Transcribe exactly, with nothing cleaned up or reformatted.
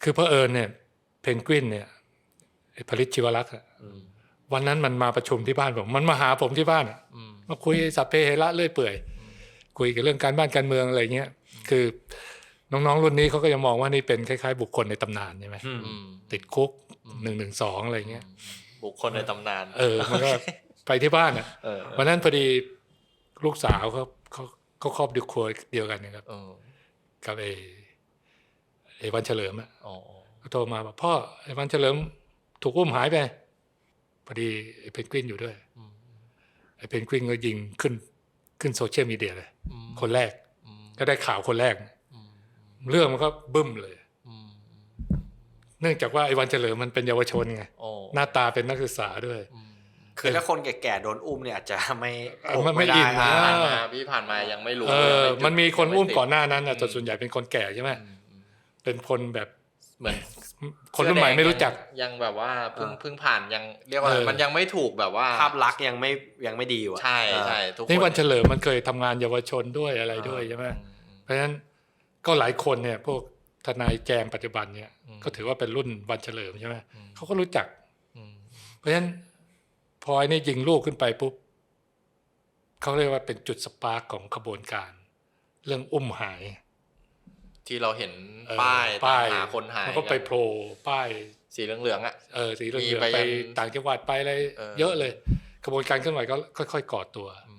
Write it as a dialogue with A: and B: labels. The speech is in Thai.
A: คือเผอิญเนี่ยเพนกวินเนี่ยผลิตชีวรักษ์วันนั้นมันมาประชุมที่บ้านผมมันมาหาผมที่บ้านมาคุยสัพเพเหระเรื่อยเปื่อยคุยกันเรื่องการบ้านการเมืองอะไรเงี้ยคือน้องๆรุ่นนี้เขาก็ยังมองว่านี่เป็นคล้ายๆบุคคลในตำนานใช่ไหมติดคุกหนึ่งหนึ่งสองอะไรเงี้ย
B: บุคคลในตำนาน
A: เออมันก็ไปที่บ้านอ่ะวันนั้นพอดีลูกสาวเขาเขาเขาครอบดูครัวเดียวกันนะครับกับไอ้ไอ้วันเฉลิมอ่ะเขาโทรมาบอกพ่อไอ้วันเฉลิมถูกอุ้มหายไปพอดีไอ้เพนกวินอยู่ด้วยไอ้เพนกวินก็ยิงขึ้นขึ้นโซเชียลมีเดียเลยคนแรกก็ได้ข่าวคนแรกเรื่องมันก็บึ้มเลยเนื่องจากว่าไอ้วันเฉลิมมันเป็นเยาวชนไงหน้าตาเป็นนักศึกษาด้วย
C: คือถ้าคนแก่ๆโดนอุ้มเนี่ยอาจจะไม่
A: ไม่อินนะ
B: ผ่านมาพี่ผ่านมายังไม่รู้
A: เออมันมีคนอุ้มก่อนหน้านั้นแต่ส่วนใหญ่เป็นคนแก่ใช่ไหมเป็นคนแบบ
B: เหมือน
A: คนรุ่นใหม่ไม่รู้จัก
B: ยังแบบว่าเพิ่งเพิ่งผ่านยังเรียกว่ามันยังไม่ถูกแบบว่า
C: ภาพลักษณ์ยังไม่ยังไม่ดีอยู่
B: ใช่ใช่ทุกคน
A: นี่วันเฉลิมมันเคยทำงานเยาวชนด้วยอะไรด้วยใช่ไหมเพราะฉะนั้นก็หลายคนเนี่ยพวกทนายแจมปัจจุบันเนี่ยก็ถือว่าเป็นรุ่นวันเฉลิมใช่ไหมเขาก็รู้จักเพราะฉะนั้นพอไอ้นี่ยิงลูกขึ้นไปปุ๊บเขาเรียกว่าเป็นจุดสปาร์กของขบวนการเรื่องอุ้มหาย
B: ที่เราเห็นป้ายตามหาคนหาย
A: มันก็ไปโผล่ป้าย
B: สีเหลืองๆอ่ะ
A: เออสีเหลืองๆไปต่างจังหวัดไปอะไรเยอะเลยขบวนการเคลื่อนไหวก็ค่อยๆก่อตัว